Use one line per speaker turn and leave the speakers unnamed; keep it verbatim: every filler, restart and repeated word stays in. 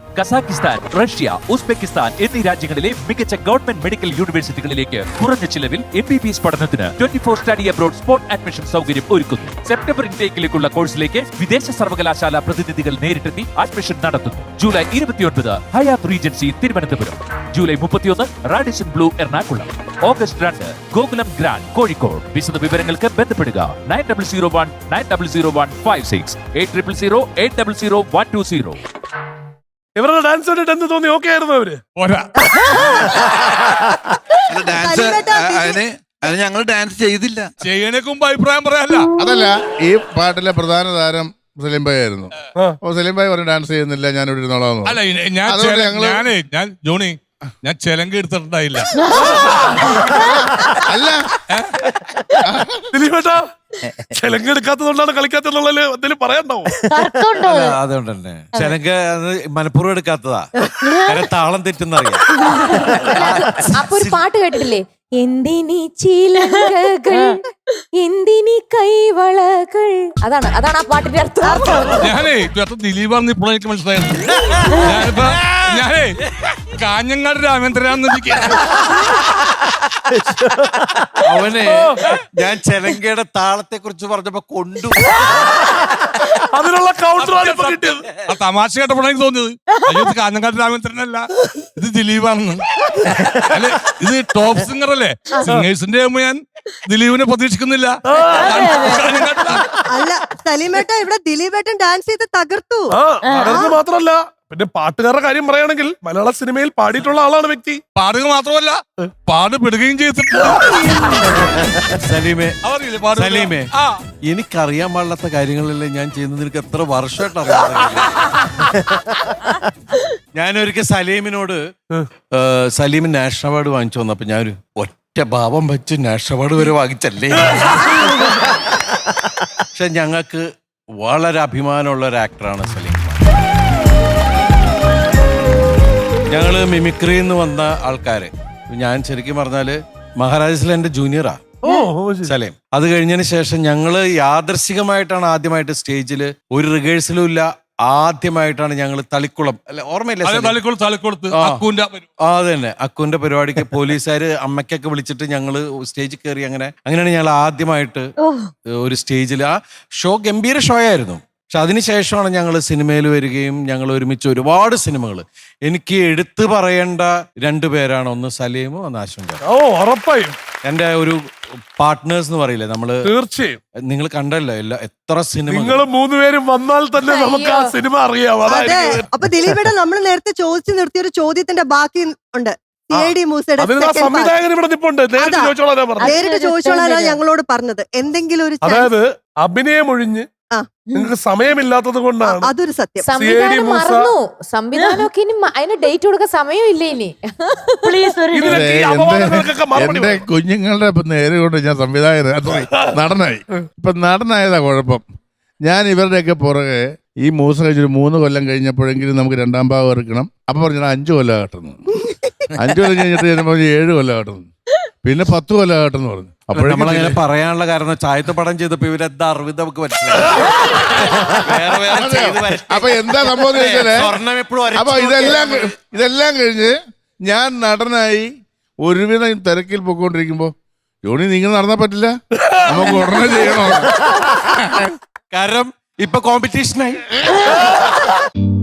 Kazakhstan, Russia, Uzbekistan എന്നീ രാജ്യങ്ങളിലെ മികച്ച ഗവൺമെന്റ് മെഡിക്കൽ യൂണിവേഴ്സിറ്റികളിലേക്ക് കുറഞ്ഞ ചിലവിൽ എം ബി ബി എസ് പഠനത്തിന് twenty four study abroad spot admission സൗകര്യം ഒരുക്കുന്നു. സെപ്റ്റംബർ ഇൻടേക്കിലേക്കുള്ള കോഴ്സിലേക്ക് വിദേശ സർവകലാശാല പ്രതിനിധികൾ നേരിട്ടെത്തി അഡ്മിഷൻ നടത്തുന്നു. ജൂലൈ ഇരുപത്തിയൊൻപത് ഹയാത്ത് റീജൻസി തിരുവനന്തപുരം, ജൂലൈ മുപ്പത്തിയൊന്ന് റാഡിസൺ ബ്ലൂ എറണാകുളം, ഓഗസ്റ്റ് രണ്ട് ഗോകുലം ഗ്രാൻഡ് കോഴിക്കോട്. വിശദ വിവരങ്ങൾക്ക് ബന്ധപ്പെടുക nine double zero one nine double zero one five six eight triple zero eight double zero one two zero.
ഇവരുടെ ഡാൻസ് കണ്ടിട്ട് എന്ത് തോന്നി? ഓക്കെ ആയിരുന്നു അവര്?
ഡാൻസ് അതിന് അത് ഞങ്ങൾ ഡാൻസ് ചെയ്തില്ല.
ചെയ്യണേക്ക് മുമ്പ് അഭിപ്രായം പറയാനല്ല.
അതല്ല, ഈ പാട്ടിലെ പ്രധാന താരം സലീം ഭായി ആയിരുന്നു. അപ്പൊ സലീം ഭായി പറഞ്ഞു ഡാൻസ് ചെയ്യുന്നില്ല, ഞാൻ ഇവിടെ ഇരുന്നോളാം.
അല്ല ഞാൻ ഞാനേ ഞാൻ ജോണി ഞാൻ ചെലങ്ക് എടുത്തിട്ടുണ്ടായില്ല.
അല്ല
ദിലീപേട്ടാ, ചെലങ്ക് എടുക്കാത്തതുകൊണ്ടാണ് കളിക്കാത്തതുള്ള എന്തെങ്കിലും പറയാണ്ടാവും.
അതുകൊണ്ട് തന്നെ ചെലങ്ക് മനഃപൂർവ്വം എടുക്കാത്തതാ, താളം തെറ്റുന്നറിയാം.
അപ്പൊ ഒരു പാട്ട് കേട്ടിട്ടില്ലേ? എന്തിനീ ചിലങ്കകൾ, എന്തിനീ കൈവളകൾ. അതാണ് അതാണ് ആ പാട്ടിന്റെ അർത്ഥം.
ഞാനേ ദിലീപാന്ന് ഇപ്പോഴും എനിക്ക് മനസ്സിലായത്. ഞാനിപ്പോ ഞാനേ കാഞ്ഞങ്ങാട് രാമേന്ദ്രനാന്ന്
അവന് ഞാൻ ചെലങ്കയുടെ താളത്തെ കുറിച്ച് പറഞ്ഞപ്പോ കൊണ്ടു
അതിനുള്ള കൗണ്ടറാണ് ഇപ്പൊ കിട്ടിയത്.
ആ തമാശ കേട്ടപ്പോഴാണ് എനിക്ക് തോന്നിയത് അയ്യോ ഇത് കാഞ്ഞങ്ങാട് രാമേന്ദ്രനല്ല, ഇത് ദിലീപാണെന്ന്. അല്ലെ ഇത് ടോപ്പ് സിംഗർ അല്ലേ? സിംഗേഴ്സിന്റെ ആകുമ്പോ ഞാൻ ദിലീപിനെ പ്രതീക്ഷിക്കുന്നില്ല.
അല്ല സലീമേട്ട, ഇവിടെ ദിലീപേട്ടൻ ഡാൻസ് ചെയ്ത് തകർത്തു.
തകർന്ന് മാത്രല്ല, പിന്നെ പാട്ടുകാരുടെ കാര്യം പറയുകയാണെങ്കിൽ മലയാള സിനിമയിൽ പാടിയിട്ടുള്ള ആളാണ് വ്യക്തി.
പാടുക മാത്രമല്ല പാടുപെടുകയും ചെയ്തിട്ടുണ്ട്.
സലീമേ
അവരില്ലേ
സലീമേ
ആ
എനിക്കറിയാൻ പാടില്ലാത്ത കാര്യങ്ങളെല്ലാം ഞാൻ ചെയ്യുന്നത് നിനക്ക് എത്ര വർഷമായിട്ട് അറിയാം. ഞാനൊരിക്കൽ സലീമിനോട് സലീമിന് നാഷണൽ അവാർഡ് വാങ്ങിച്ചു വന്നപ്പോ ഞാനൊരു ഒറ്റ ഭാവം വെച്ച് നാഷണൽ അവാർഡ് വരെ വാങ്ങിച്ചല്ലേ. പക്ഷെ ഞങ്ങൾക്ക് വളരെ അഭിമാനമുള്ള ഒരു ആക്ടറാണ് സലീം. ഞങ്ങള് മിമിക്രിയിൽ നിന്ന് വന്ന ആൾക്കാര്. ഞാൻ ശരിക്കും പറഞ്ഞാല് മഹാരാജസിൽ എന്റെ ജൂനിയറാ സലീം. അത് കഴിഞ്ഞതിന് ശേഷം ഞങ്ങള് യാദർശികമായിട്ടാണ് ആദ്യമായിട്ട് സ്റ്റേജില്, ഒരു റിഹേഴ്സലും ഇല്ല, ആദ്യമായിട്ടാണ് ഞങ്ങൾ തളിക്കുളം അല്ലെ ഓർമ്മയില്ല അത് തന്നെ അക്കുവിന്റെ പരിപാടിക്ക് പോലീസുകാര് അമ്മയ്ക്കൊക്കെ വിളിച്ചിട്ട് ഞങ്ങള് സ്റ്റേജിൽ കയറി. അങ്ങനെ അങ്ങനെയാണ് ഞങ്ങൾ ആദ്യമായിട്ട് ഒരു സ്റ്റേജിൽ. ആ ഷോ ഗംഭീര ഷോ ആയിരുന്നു. പക്ഷെ അതിനുശേഷമാണ് ഞങ്ങൾ സിനിമയിൽ വരികയും ഞങ്ങൾ ഒരുമിച്ച് ഒരുപാട് സിനിമകൾ. എനിക്ക് എടുത്തു പറയേണ്ട രണ്ടുപേരാണ്, ഒന്ന് സലീമും ഒന്ന് ആശങ്ക.
ഓ ഉറപ്പായും
എന്റെ ഒരു പാർട്ട്നേഴ്സ് എന്ന് പറയില്ലേ നമ്മള്.
തീർച്ചയായും
നിങ്ങൾ കണ്ടല്ലോ എല്ലാ എത്ര സിനിമ.
നിങ്ങൾ മൂന്നുപേരും വന്നാൽ തന്നെ നമുക്ക് ആ സിനിമ അറിയാം.
അതെ, അപ്പൊ ദിലീപേട്ട നമ്മൾ നേരത്തെ ചോദിച്ചു നിർത്തിയ ഒരു ചോദ്യത്തിന്റെ ബാക്കി ഉണ്ട്.
സംവിധായകൻ ഇവിടെ നിപ്പുണ്ട്, നേരിട്ട് ചോദിച്ചോളാനാ പറഞ്ഞത്.
നേരിട്ട് ചോദിച്ചോളാനാണ് ഞങ്ങളോട് പറഞ്ഞത്. എന്തെങ്കിലും ഒരു
അതായത് അഭിനയം ഒഴിഞ്ഞ് നിങ്ങൾക്ക് സമയമില്ലാത്തത് കൊണ്ടാണ്.
അതൊരു സത്യം.
സംവിധാനം മറന്നു. സംവിധാനമൊക്കെ ഇനി അതിന് ഡേറ്റ് കൊടുക്കാൻ സമയമില്ല ഇനി.
എന്റെ കുഞ്ഞുങ്ങളുടെ നേരെ കൊണ്ട് ഞാൻ സംവിധായകൻ നടനായി. ഇപ്പൊ നടനായതാ കുഴപ്പം. ഞാൻ ഇവരുടെയൊക്കെ പുറകെ ഈ മൂസ കഴിച്ചൊരു മൂന്ന് കൊല്ലം കഴിഞ്ഞപ്പോഴെങ്കിലും നമുക്ക് രണ്ടാം ഭാഗം ഇറക്കണം. അപ്പൊ പറഞ്ഞാൽ അഞ്ചു കൊല്ലം കാട്ടുന്നു. അഞ്ചു കൊല്ലം കഴിഞ്ഞിട്ട് ചെല്ലുമ്പോൾ ഏഴ് കൊല്ലം കാട്ടുന്നു, പിന്നെ പത്ത് കൊല്ലം കാട്ടെന്ന് പറഞ്ഞു. അപ്പോൾ
നമ്മളങ്ങനെ പറയാനുള്ള കാരണം ചായത്ത് പടം ചെയ്തപ്പോ ഇവരെന്താ അറിവ് നമുക്ക് മനസ്സിലായി.
അപ്പൊ എന്താ സംഭവം ചോദിച്ചാലേ, അപ്പൊ ഇതെല്ലാം ഇതെല്ലാം കഴിഞ്ഞ് ഞാൻ നടനായി ഒരുവിധം തിരക്കിൽ പോയിക്കൊണ്ടിരിക്കുമ്പോ ജോണി നിങ്ങൾ നടന്നാ പറ്റില്ല, നമുക്ക് ഉടനെ ചെയ്യണോ.
കാരണം ഇപ്പൊ കോമ്പറ്റീഷനായി.